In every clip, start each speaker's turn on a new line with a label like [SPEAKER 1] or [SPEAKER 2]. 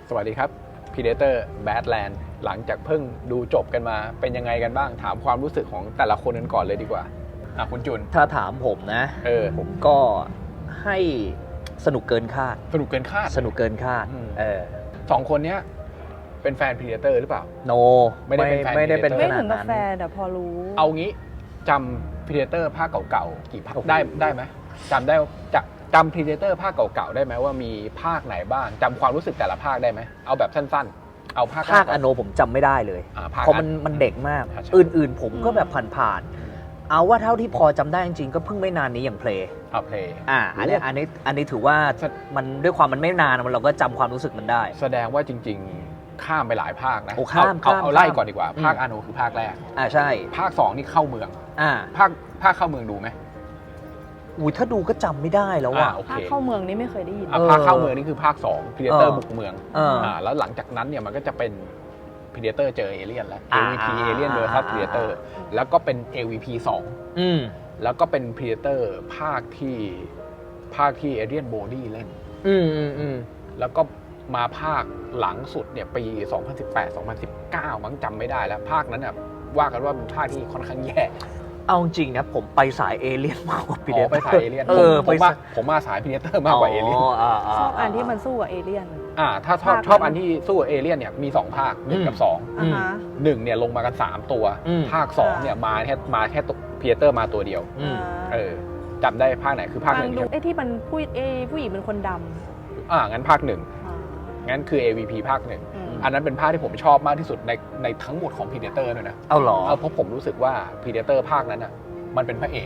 [SPEAKER 1] สวัสดีครับ Predator Badlands หลังจากเพิ่งดูจบกันมาเป็นยังไงกันบ้างถามความรู้สึกของแต่ละคนกันก่อนเลยดีกว่าคุณจุน
[SPEAKER 2] ถ้าถามผมนะผมก็ให้สนุกเกินคาด
[SPEAKER 1] สนุกเกินคาด
[SPEAKER 2] ส
[SPEAKER 1] องคนเนี้ยเป็นแฟน Predator หรือเปล่า
[SPEAKER 2] โน
[SPEAKER 1] ไม่ได้เป็นแฟน
[SPEAKER 3] ไม่ถึงกับ
[SPEAKER 2] นั้น
[SPEAKER 3] แฟนแต่พอรู้
[SPEAKER 1] เอางี้จำ Predator ภาคเก่าๆกี่ภาคได้ไหมจำ Predator ภาคเก่าๆได้ไหมว่ามีภาคไหนบ้างจำความรู้สึกแต่ละภาคได้ไหมเอาแบบสั้นๆเอาภาค
[SPEAKER 2] อโนผมจำไม่ได้เลยเพราะมันเด็กมากอื่นๆผมก็แบบผ่านๆเอาว่าเท่าที่พอจำได้จริงๆก็เพิ่งไม่นานนี้อย่างเพลย์อันนี้ถือว่ามันด้วยความมันไม่นานเราก็จำความรู้สึกมันได้
[SPEAKER 1] แสดงว่าจริงๆข้ามไปหลายภาคนะ
[SPEAKER 2] เอา
[SPEAKER 1] ไล่ก่อนดีกว่าภาคอโนคือภาคแรก
[SPEAKER 2] ใช่
[SPEAKER 1] ภาค2นี่เข้าเมืองภาคเข้าเมืองดูไหม
[SPEAKER 2] ถ้าดูก็จำไม่ได้แล้วว่ะ
[SPEAKER 3] ภาคเข้าเมืองนี่ไม่เคยได้ยิน
[SPEAKER 1] ภาคเข้าเมืองนี่คือภาค2 Predator บุกเมืองแล้วหลังจากนั้นเนี่ยมันก็จะเป็น Predator เจอเอเลี่ยนแล้ว AVP Alien vs Predator แล้วก็เป็น AVP 2แล้วก็เป็น Predator ภาคที่ Adrian Brody เล่นแล้วก็มาภาคหลังสุดเนี่ยปี 2018-2019 มั้งจำไม่ได้แล้วภาคนั้นน่ะว่ากันว่าเป็นภาคที่ค่อนข้างแย่
[SPEAKER 2] เอาจริงนะผมไปสายเอเลี่ยนมากกว่าพีเดเตอร์
[SPEAKER 1] ไปสายเอเลี่ยนผมมาสายพีเดเตอร์มากกว่าเอเลี่ยน
[SPEAKER 3] ชอบอันที่มันสู้กับเอเลี่ยน
[SPEAKER 1] ถ้าชอบอันที่สู้กับเอเลี่ยนเนี่ยมี2ภาค1กับ2 1เนี่ยลงมากัน3ตัวภาค2เนี่ยมาแค่พีเดเตอร์มาตัวเดียวจำได้ภาคไหนคือภาค1
[SPEAKER 3] ที่มันผู้หญิงเป็นคนดำ
[SPEAKER 1] งั้นภาค1งั้นคือ AVP ภาค1อันนั้นเป็นภาคที่ผมชอบมากที่สุดในทั้งหมดของ Predator ด้วยนะ
[SPEAKER 2] เอาหรอ
[SPEAKER 1] เพราะผมรู้สึกว่า Predator ภาคนั้นอ่ะมันเป็นพระเอก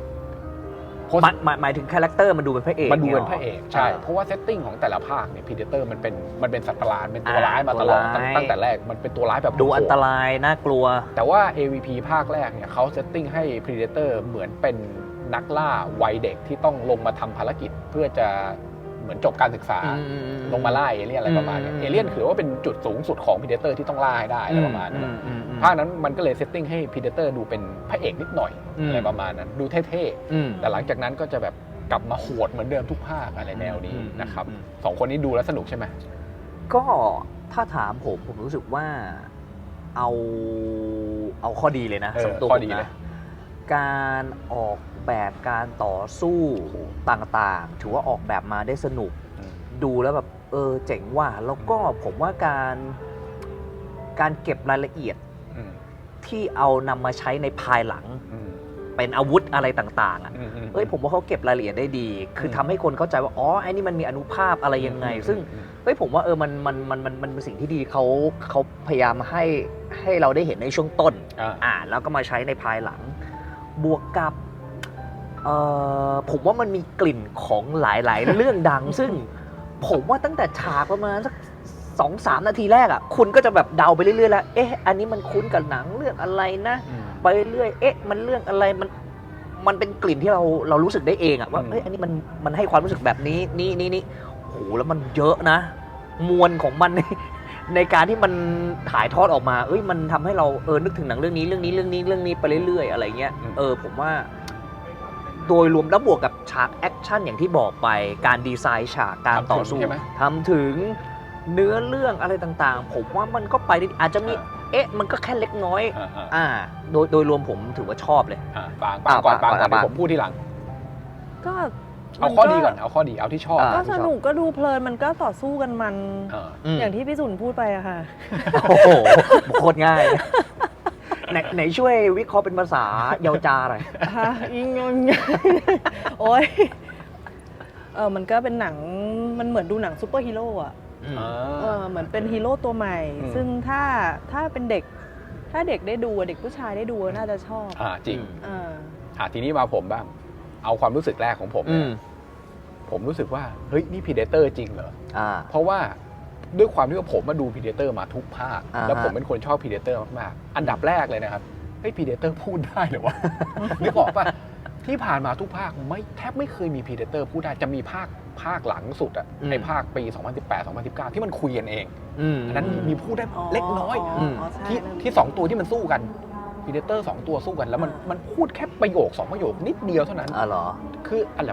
[SPEAKER 2] หมายถึงคาแรคเตอร์มันดูเป็นพระเอก
[SPEAKER 1] มันดูเป็นพระเอกใช่เพราะว่าเซตติ้งของแต่ละภาคเนี่ย Predator มันเป็นสัตว์ประหลาดเป็นตัวร้ายมาตลอดตั้งแต่แรกมันเป็นตัวร้ายแบบ
[SPEAKER 2] ดูอันตรายน่ากลัว
[SPEAKER 1] แต่ว่า AVP ภาคแรกเนี่ยเขาเซตติ้งให้ Predator เหมือนเป็นนักล่าวัยเด็กที่ต้องลงมาทำภารกิจเพื่อจะเหมือนจบการศึกษาลงมาล่าเอเลี่ยนอะไรประมาณนี้เอเลี่ยนคือว่าเป็นจุดสูงสุดของ Predator ที่ต้องล่าให้ได้อะไรประมาณนั้นภาคนั้นมันก็เลยเซตติ้งให้ Predator ดูเป็นพระเอกนิดหน่อยอะไรประมาณนั้นดูเท่ๆแต่หลังจากนั้นก็จะแบบกลับมาโหดเหมือนเดิมทุกภาคอะไรแนวนี้นะครับ2คนนี้ดูแล้วสนุกใช่ไหม
[SPEAKER 2] ก็ถ้าถามผมรู้สึกว่าเอาข้อดีเลยนะสำหรับตัวผมนะการออกแบบการต่อสู้ต่างๆถือว่าออกแบบมาได้สนุกดูแล้วแบบเจ๋งว่ะแล้วก็ผมว่าการเก็บรายละเอียดที่เอานำมาใช้ในภายหลังเป็นอาวุธอะไรต่างๆผมว่าเขาเก็บรายละเอียดได้ดีคือทำให้คนเข้าใจว่าอ๋อไอ้นี่มันมีอนุภาพอะไรยังไงซึ่งผมว่ามันเป็นสิ่งที่ดีเขาพยายามให้เราได้เห็นในช่วงต้นแล้วก็มาใช้ในภายหลังบวกกับผมว่ามันมีกลิ่นของหลายๆเรื่องดังซึ่งผมว่าตั้งแต่ฉากประมาณสัก 2-3 นาทีแรกอ่ะคุณก็จะแบบเดาไปเรื่อยๆแล้วอันนี้มันคุ้นกับหนังเรื่องอะไรนะไปเรื่อยมันเรื่องอะไรมันเป็นกลิ่นที่เรารู้สึกได้เองอ่ะว่าอันนี้มันให้ความรู้สึกแบบนี้นี่โหแล้วมันเยอะนะมวลของมันในการที่มันถ่ายทอดออกมามันทำให้เรานึกถึงหนังเรื่องนี้ไปเรื่อยๆอะไรเงี้ยผมว่าโดยรวมแล้วบวกกับฉากแอคชั่นอย่างที่บอกไปการดีไซน์ฉากการต่อสู้ทำถึงเนื้อเรื่องอะไรต่างๆผมว่ามันก็ไปได้อาจจะมีมันก็แค่เล็กน้อยโดยรวมผมถือว่าชอบเลย
[SPEAKER 1] บางก่อนผมพูดทีหลัง
[SPEAKER 3] ก็
[SPEAKER 1] เอาข้อดีก่อนเอาข้อดีเอาที่ชอบ
[SPEAKER 3] ก็สนุกก็ดูเพลินมันก็ต่อสู้กันมันอย่างที่พี่สุนพูดไปอะค่ะ
[SPEAKER 2] โอ้โหโคตรง่ายไหนช่วยวิเคราะห์เป็นภาษาเยาวจาหน่อย
[SPEAKER 3] โอ้ยมันก็เป็นหนังมันเหมือนดูหนังซูเปอร์ฮีโร่อะเหมือนเป็นฮีโร่ตัวใหม่ซึ่งถ้าเป็นเด็กถ้าเด็กได้ดูเด็กผู้ชายได้ดูน่าจะชอบ
[SPEAKER 1] จริงทีนี้มาผมบ้างเอาความรู้สึกแรกของผมผมรู้สึกว่าเฮ้ยนี่ Predator จริงเหรอเพราะว่าด้วยความที่ว่าผมมาดู Predator มาทุกภาคแล้วผมเป็นคนชอบ Predator มากๆอันดับแรกเลยนะครับเฮ้ย Predator พูดได้เหรอวะนึกออกป่ะที่ผ่านมาทุกภาคแทบไม่เคยมี Predator พูดได้จะมีภาคหลังสุดอะในภาคปี 2018-2019 ที่มันคุยกันเองอันนั้นมีพูดได้เล็กน้อยที่2ตัวที่มันสู้กัน Predator 2ตัวสู้กันแล้วมันพูดแค่ประโยค2ประโยคนิดเดียวเท่านั้น
[SPEAKER 2] เหรอ
[SPEAKER 1] คืออันดับ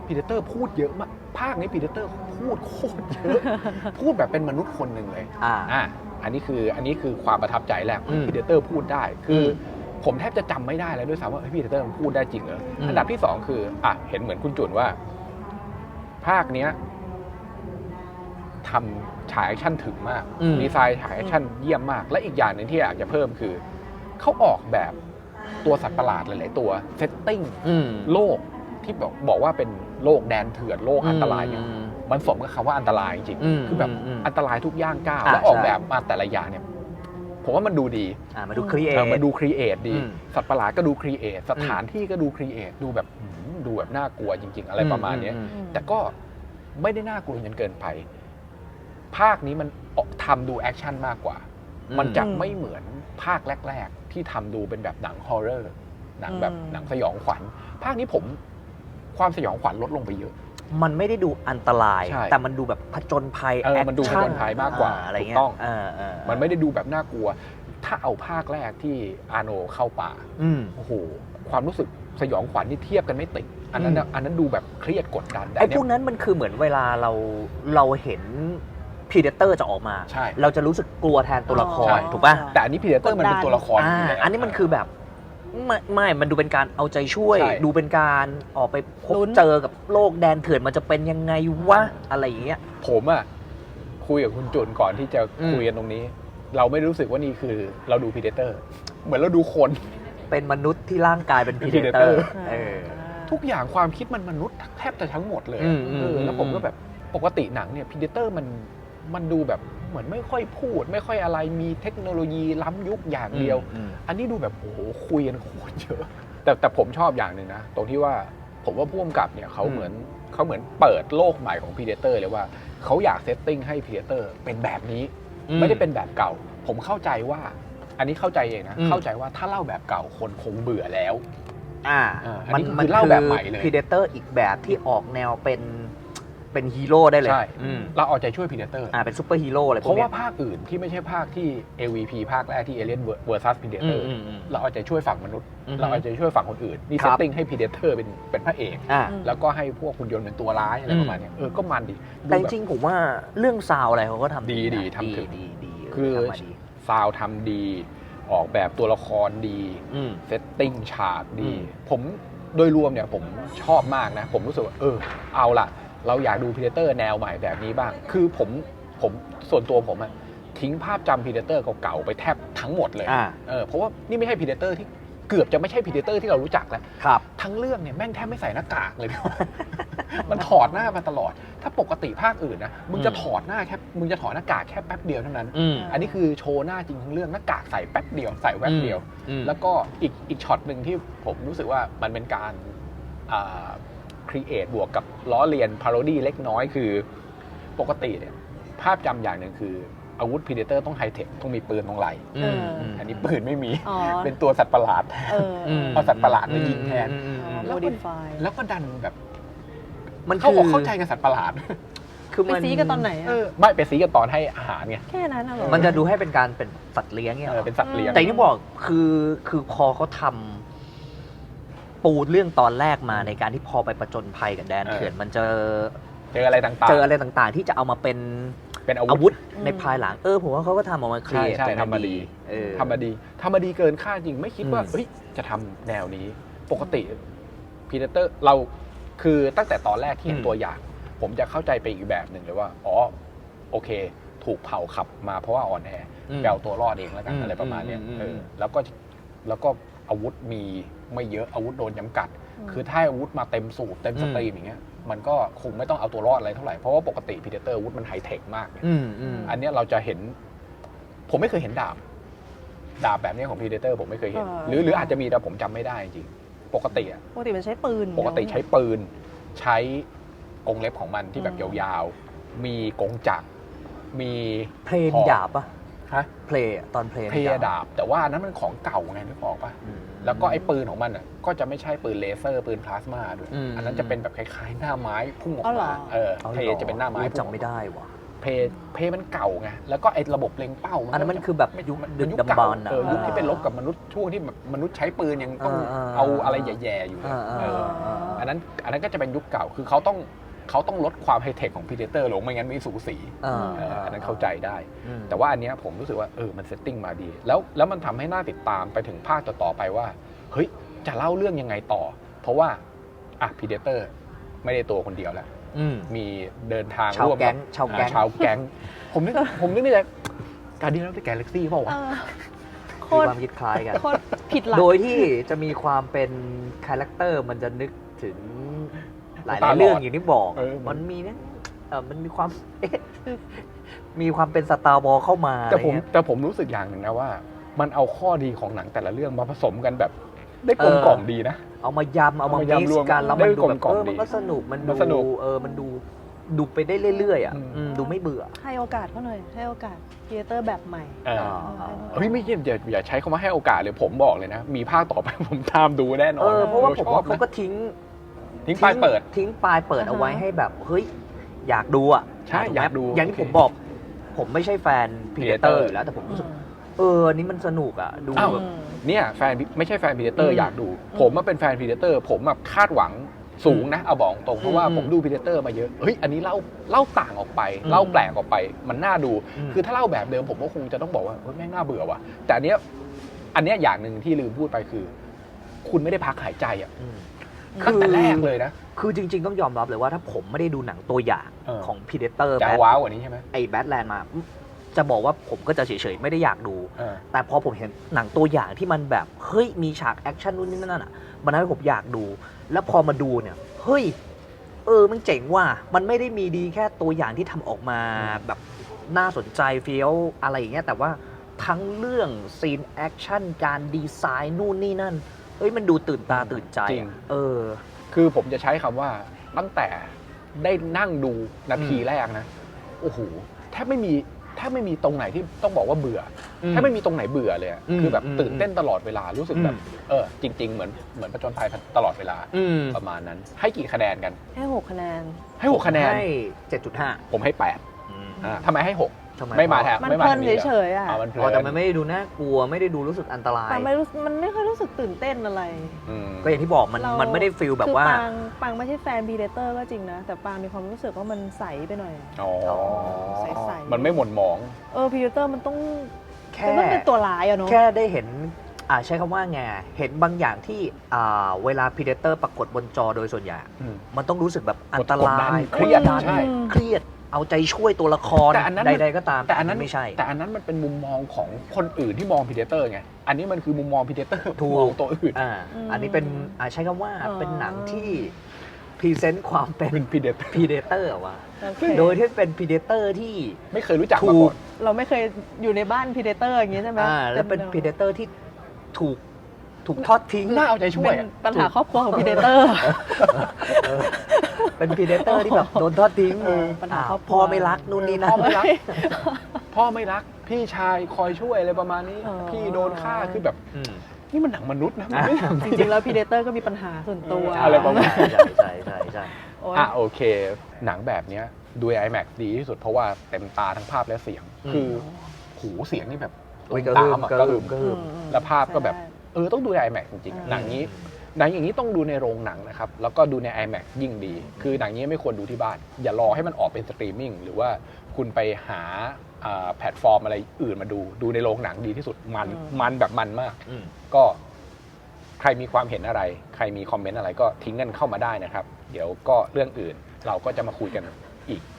[SPEAKER 1] พีเดเตอร์พูดเยอะมากภาคนี้พีเดเตอร์พูดโคตรเยอะ พูดแบบเป็นมนุษย์คนหนึ่งเลยอันนี้คือความประทับใจแรกพีเดเตอร์พูดได้คือผมแทบจะจำไม่ได้แล้วด้วยซ้ำว่าพีเดเตอร์มันพูดได้จริงเหรออันดับที่2คือเห็นเหมือนคุณจุนว่าภาคเนี้ยทำฉากแอคชั่นถึงมากดีไซน์ฉากแอคชั่นเยี่ยมมากและอีกอย่างหนึ่งที่อยากจะเพิ่มคือเขาออกแบบตัวสัตว์ประหลาดหลายๆตัวเซตติ้งโลกที่บอกว่าเป็นโลกแดนเถื่อนโลกอันตรายเนี่ยมันสมกับคำว่าอันตรายจริงๆคือแบบอันตรายทุกย่างก้าวแล้วออกแบบมาแต่ละอย่างเนี่ยผมว่ามันดูดี
[SPEAKER 2] มันดูครีเอท
[SPEAKER 1] ดีสัตว์ประหลาดก็ดูครีเอทสถานที่ก็ดูครีเอทดูแบบน่ากลัวจริงๆอะไรประมาณนี้แต่ก็ไม่ได้น่ากลัวจนเกินไปภาคนี้มันทำดูแอคชั่นมากกว่ามันจะไม่เหมือนภาคแรกๆที่ทำดูเป็นแบบหนังฮอร์เรอร์หนังแบบหนังสยองขวัญภาคนี้ผมความสยองขวัญลดลงไปเยอะ
[SPEAKER 2] มันไม่ได้ดูอันตรายแต่มันดูแบบผจญภัย
[SPEAKER 1] มันดูผจญภัยมากกว่าถูกต้องมันไม่ได้ดูแบบน่ากลัวถ้าเอาภาคแรกที่อาโนเข้าป่าโอ้โหความรู้สึกสยองขวัญที่เทียบกันไม่ติดอันนั้นดูแบบเครียดกดดัน
[SPEAKER 2] ไอ้พวกนั้นมันคือเหมือนเวลาเราเห็นพีเดเตอร์จะออกมาเราจะรู้สึกกลัวแทนตัวละครถูกป่ะ
[SPEAKER 1] แต่อันนี้พีเดเตอร์มันเป็นตัวละคร
[SPEAKER 2] อันนี้มันคือแบบไม่มันดูเป็นการเอาใจช่วยดูเป็นการออกไปพบเจอกับโลกแดนเถื่อนมันจะเป็นยังไงวะอะไรอย่างเงี้ย
[SPEAKER 1] ผมคุยกับคุณจุนก่อนที่จะคุยกันตรงนี้เราไม่รู้สึกว่านี่คือเราดูพีเดเตอร์เหมือนเราดูคน
[SPEAKER 2] เป็นมนุษย์ที่ร่างกายเป็นพีเดเตอร์
[SPEAKER 1] ทุกอย่างความคิดมันมนุษย์แทบจะทั้งหมดเลยแล้วผมก็แบบปกติหนังเนี่ยพีเดเตอร์มันดูแบบเหมือนไม่ค่อยพูดไม่ค่อยอะไรมีเทคโนโลยีล้ำยุคอย่างเดียวอันนี้ดูแบบโอ้โหคุยกันโคตรเยอะแต่ผมชอบอย่างหนึ่งนะตรงที่ว่าผมว่าผู้กำกับเนี่ยเขาเหมือนเปิดโลกใหม่ของพีเดเตอร์เลยว่าเขาอยากเซตติ้งให้พีเดเตอร์เป็นแบบนี้ไม่ได้เป็นแบบเก่าผมเข้าใจว่าอันนี้เข้าใจเองนะเข้าใจว่าถ้าเล่าแบบเก่าคนคงเบื่อแล้ว
[SPEAKER 2] มันเล่าแบบใหม่เลยพีเดเตอร์อีกแบบที่ออกแนวเป็นฮีโร่ได้เลย
[SPEAKER 1] ใช่เราเอาใจช่วยพีเดเตอร์
[SPEAKER 2] เป็นซูเปอร์ฮีโร่อะไร
[SPEAKER 1] เพราะว่าภาคอื่นที่ไม่ใช่ภาคที่ AVP ภาคแรกที่ Alien vs Predator เราเอาใจช่วยฝั่งมนุษย์เราเอาใจช่วยฝั่งคนอื่นนี่เซตติ้งให้พีเดเตอร์เป็นพระเอกแล้วก็ให้พวกหุ่นยนต์เป็นตัวร้ายอะไรประมาณนี้ก็มันดี
[SPEAKER 2] แต่จริงผมว่าเรื่องซาวอะไรเขาก็ทำ
[SPEAKER 1] ดีทำถึงคือซาวทำดีออกแบบตัวละครดีเซตติ้งฉากดีผมโดยรวมเนี่ยผมชอบมากนะผมรู้สึกว่าเอาล่ะเราอยากดู Predator แนวใหม่แบบนี้บ้างคือผมส่วนตัวผมทิ้งภาพจำ Predator เก่าๆไปแทบทั้งหมดเลยเพราะว่านี่ไม่ใช่ Predator ที่เกือบจะไม่ใช่ Predator ที่เรารู้จักแล้วทั้งเรื่องเนี่ยแม่งแทบไม่ใส่หน้ากากเลย มันถอดหน้ามาตลอดถ้าปกติภาคอื่นนะมึงจะถอดหน้ากากแค่แป๊บเดียวเท่านั้นอันนี้คือโชว์หน้าจริงทั้งเรื่องหน้ากากใส่แป๊บเดียวใส่แวบเดียวแล้วก็อีกช็อตนึงที่ผมรู้สึกว่ามันเป็นการครีเอทบวกกับล้อเลียนพาโรดี้เล็กน้อยคือปกติเนี่ยภาพจำอย่างหนึ่งคืออาวุธพีเดเตอร์ต้องไฮเทคต้องมีปืนตรงไหล่อันนี้ปืนไม่มีเป็นตัวสัตว์ประหลาดเอาสัตว์ประหลาดมายิงแทนแล้วก็ดันแบบมันเข้าใจกับสัตว์ประหลาด
[SPEAKER 3] คือไปซีกันตอนไหน
[SPEAKER 1] ไม่ไปซีกันตอนให้อาหารไง
[SPEAKER 3] แค่นั้นเหรอ
[SPEAKER 2] มันจะดูให้เป็นการเป็นสัตว์เลี้ยงเนี่ย
[SPEAKER 1] เป็นสัตว์เลี้ยง
[SPEAKER 2] แต่ที่บอกคือพอเขาทำปูเรื่องตอนแรกมาในการที่พอไปประจนภัยกับแดนเถื่อนมันเจอ
[SPEAKER 1] อะไรต่
[SPEAKER 2] างๆที่จะเอามาเป็นอาวุธในภายหลังผมว่าเขาก็ทำออกมาเคลียร์
[SPEAKER 1] ทำมาดีเกินคาดจริงไม่คิดว่าจะทำแนวนี้ปกติพีเดเตอร์เราคือตั้งแต่ตอนแรกที่เห็นตัวอย่างผมจะเข้าใจไปอีกแบบหนึ่งเลยว่าโอเคถูกเผาขับมาเพราะว่าอ่อนแอแปลตัวรอดเองแล้วกันอะไรประมาณนี้แล้วก็อาวุธมีไม่เยอะอาวุธโดนจำกัดคือถ้าอาวุธมาเต็มสูบเต็มสตรีมอย่างเงี้ยมันก็คงไม่ต้องเอาตัวรอดอะไรเท่าไหร่เพราะว่าปกติพีเดเตอร์อาวุธมันไฮเทคมากอันนี้เราจะเห็นผมไม่เคยเห็นดาบแบบนี้ของพีเดเตอร์ผมไม่เคยเห็นหรืออาจจะมีแต่ผมจำไม่ได้จริงปกติ
[SPEAKER 3] มันใช้ปืน
[SPEAKER 1] ใช้ปืนใช้กรงเล็บของมันที่แบบยาวๆมีกรงจักรมี
[SPEAKER 2] เพลนดาบป่ะเพลตอนเพล
[SPEAKER 1] ดาบแต่ว่านั้นมันของเก่าไงนึกออกป่ะแล้วก็ไอ้ปืนของมันก็จะไม่ใช่ปืนเลเซอร์ปืนพลาสมาด้วยอันนั้นจะเป็นแบบคล้ายๆหน้าไม้พุ่งออกมาเพลจะเป็นหน้าไม้
[SPEAKER 2] จำไม่ได้ว่ะ
[SPEAKER 1] เพย์มันเก่าไงแล้วก็ไอ้ระบบเล็งเป้า
[SPEAKER 2] อันนั้นมันคือแบบยุคดึกดำบรรพ์
[SPEAKER 1] ยุคที่เป็นลบกับมนุษย์ช่วงที่มนุษย์ใช้ปืนยังต้องเอาอะไรแย่ๆอยู่เลยอันนั้นก็จะเป็นยุคเก่าคือเขาต้องลดความไฮเทคของพีเดเตอร์ลงไม่งั้นไม่สูสีอันนั้นเข้าใจได้แต่ว่าอันเนี้ยผมรู้สึกว่ามันเซตติ้งมาดีแล้วมันทำให้น่าติดตามไปถึงภาคต่อๆไปว่าเฮ้ยจะเล่าเรื่องยังไงต่อเพราะว่าพีเดเตอร์ไม่ได้ตัวคนเดียวแล้วมีเดินทางร่วมกับชาวแก๊งผมนึกในใจการดีแล้วเป็นแกลเล็กซี่เปล่าวะ
[SPEAKER 2] มีความคิดคล้ายกัน
[SPEAKER 3] ผิดหลัก
[SPEAKER 2] โดยที่จะมีความเป็นคาแรคเตอร์มันจะนึกถึงหลายเรื่องอย่างที่บอกมันมีเนี่ยมันมีความมีความเป็นสตาร์วอร์เข้ามา
[SPEAKER 1] แต่ผมรู้สึกอย่างหนึ่งนะว่ามันเอาข้อดีของหนังแต่ละเรื่องมาผสมกันแบบได้กลมกล่อมดีนะ
[SPEAKER 2] เอามายำเอามามิกซ์กันแล้วมันดูแบบมันก็สนุกมันดูมันดูไปได้เรื่อยๆดูไม่เบื่อ
[SPEAKER 3] ให้โอกาสเขาหน่อยให้โอกาสครีเอเตอร์แบบใหม่
[SPEAKER 1] เฮ้ยไม่อย่าใช้คำว่าให้โอกาสเลยผมบอกเลยนะมีภาคต่อไปผมตามดูแน่นอน
[SPEAKER 2] เพราะว่าผมว่าเขาก็ทิ้ง
[SPEAKER 1] ปลายเปิด
[SPEAKER 2] เอาไว้ให้แบบเฮ้ยอยากดูอ่ะ
[SPEAKER 1] ใช่อยากดู
[SPEAKER 2] อย่างที่ผมบอกผมไม่ใช่แฟนพีเดเตอร์อยู่แล้วแต่ผมรู้สึกอันนี้มันสนุกอ่ะดูแบบ
[SPEAKER 1] เนี่ยแฟนไม่ใช่แฟนพีเดเตอร์อยากดูผมมาเป็นแฟนพีเดเตอร์ผมแบบคาดหวังสูงนะเอาบอกตรงเพราะว่าผมดูพีเดเตอร์มาเยอะเฮ้ยอันนี้เล่าต่างออกไปเล่าแปลกออกไปมันน่าดูคือถ้าเล่าแบบเดิมผมก็คงจะต้องบอกว่าแม่งน่าเบื่อว่ะแต่อันเนี้ยอย่างหนึ่งที่ลืมพูดไปคือคุณไม่ได้พักหายใจอ่ะตั้งแต่แรกเลยนะ
[SPEAKER 2] คือจริงๆต้องยอมรับเลยว่าถ้าผมไม่ได้ดูหนังตัวอย่างของพีเดเตอร์
[SPEAKER 1] จะว้าวกว่านี้ใช่ไหม
[SPEAKER 2] ไอ้แบทแลนด์มาจะบอกว่าผมก็จะเฉยๆไม่ได้อยากดูแต่พอผมเห็นหนังตัวอย่างที่มันแบบเฮ้ยมีฉากแอคชั่นนู่นนี่นั่นอ่ะมันทำให้ผมอยากดูแล้วพอมาดูเนี่ยเฮ้ยมันเจ๋งว่ะมันไม่ได้มีดีแค่ตัวอย่างที่ทำออกมาแบบน่าสนใจเฟี้ยวอะไรอย่างเงี้ยแต่ว่าทั้งเรื่องซีนแอคชั่นการดีไซน์นู่นนี่นั่นมันดูตื่นตาตื่นใจ
[SPEAKER 1] คือผมจะใช้คำว่าตั้งแต่ได้นั่งดูนาทีแรกนะโอ้โหแทบไม่มีตรงไหนที่ต้องบอกว่าเบื่อแทบไม่มีตรงไหนเบื่อเลยคือแบบตื่นเต้นตลอดเวลารู้สึกแบบจริงๆเหมือนผจญภัยตลอดเวลาประมาณนั้นให้กี่คะแนนกัน
[SPEAKER 3] ให้6คะแนน
[SPEAKER 1] ให้6คะแนน
[SPEAKER 2] ให้ 7.5
[SPEAKER 1] ผมให้8ทำไมให้6ไม่มาแทบ
[SPEAKER 3] มันเพลินเฉยๆ
[SPEAKER 2] แต่มันไม่ได้ดูน่ากลัวไม่ได้ดูรู้สึกอันตราย
[SPEAKER 3] มันไม่ค่อยรู้สึกตื่นเต้นอะไร
[SPEAKER 2] ก็อย่างที่บอกมันไม่ได้ฟีลแบบว่า
[SPEAKER 3] ปังไม่ใช่แฟนพีเดเตอร์ก็จริงนะแต่ปังมีความรู้สึกว่ามันใสไปหน่อย
[SPEAKER 1] ใสมันไม่หม่นหมอง
[SPEAKER 3] พีเดเตอร์มันต้องแค่เป็นตัวร้ายอะเนาะ
[SPEAKER 2] แค่ได้เห็นใช้คำว่าไงเห็นบางอย่างที่เวลาพีเดเตอร์ปรากฏบนจอโดยส่วนใหญ่มันต้องรู้สึกแบบอันตราย
[SPEAKER 1] เครีย
[SPEAKER 2] ดเอาใจช่วยตัวละครใดๆก็ตาม
[SPEAKER 1] แต่อันนั้น
[SPEAKER 2] ไม่ใช่
[SPEAKER 1] แต่อันนั้นมันเป็นมุมมองของคนอื่นที่มองพีเดเตอร์ไงอันนี้มันคือมุมมองพีเดเตอร์มองตัวอื่น
[SPEAKER 2] อันนี้เป็นใช้คำว่าเป็นหนังที่พรีเซนต์ความเป็น
[SPEAKER 1] พีเด
[SPEAKER 2] เตอร์ว่ะโดยที่เป็นพีเดเตอร์ที่
[SPEAKER 1] ไม่เคยรู้จักมาก่อน
[SPEAKER 3] เราไม่เคยอยู่ในบ้านพีเดเตอร์อย่างงี้ใช่ไหม
[SPEAKER 2] แล้วเป็นพีเดเตอร์ที่ถูกทอดทิ้ง
[SPEAKER 1] น่าเอาใจช่วย
[SPEAKER 3] ปัญหาครอบครัวของพีเดเตอร์
[SPEAKER 2] เป็นพีเดเตอร์ที่แบบโดนทอดทิ้ง
[SPEAKER 3] ปัญหาครอบครัว
[SPEAKER 2] พ่อไม่รักนู่นนี่นั่น
[SPEAKER 1] พ่อไม่รักพี่ชายคอยช่วยอะไรประมาณนี้พี่โดนฆ่าคือแบบนี่มันหนังมนุษย์นะ
[SPEAKER 3] จริงๆแล้วพีเดเตอร์ก็มีปัญหาส่วนตัว
[SPEAKER 1] อะไรประมาณนี้
[SPEAKER 2] ใช่
[SPEAKER 1] โอเคหนังแบบนี้ดู IMAX ดีที่สุดเพราะว่าเต็มตาทั้งภาพและเสียงคือหูเสียงนี่แบบตามก็หึมแล้วภาพก็แบบต้องดูใน IMAX จริงๆหนังอย่างนี้ต้องดูในโรงหนังนะครับแล้วก็ดูใน IMAX ยิ่งดีคือหนังนี้ไม่ควรดูที่บ้านอย่ารอให้มันออกเป็นสตรีมมิ่งหรือว่าคุณไปหาแพลตฟอร์มอะไรอื่นมาดูในโรงหนังดีที่สุดมันแบบมันมากก็ใครมีความเห็นอะไรใครมีคอมเมนต์อะไรก็ทิ้งกันเข้ามาได้นะครับเดี๋ยวก็เรื่องอื่นเราก็จะมาคุยกันอีก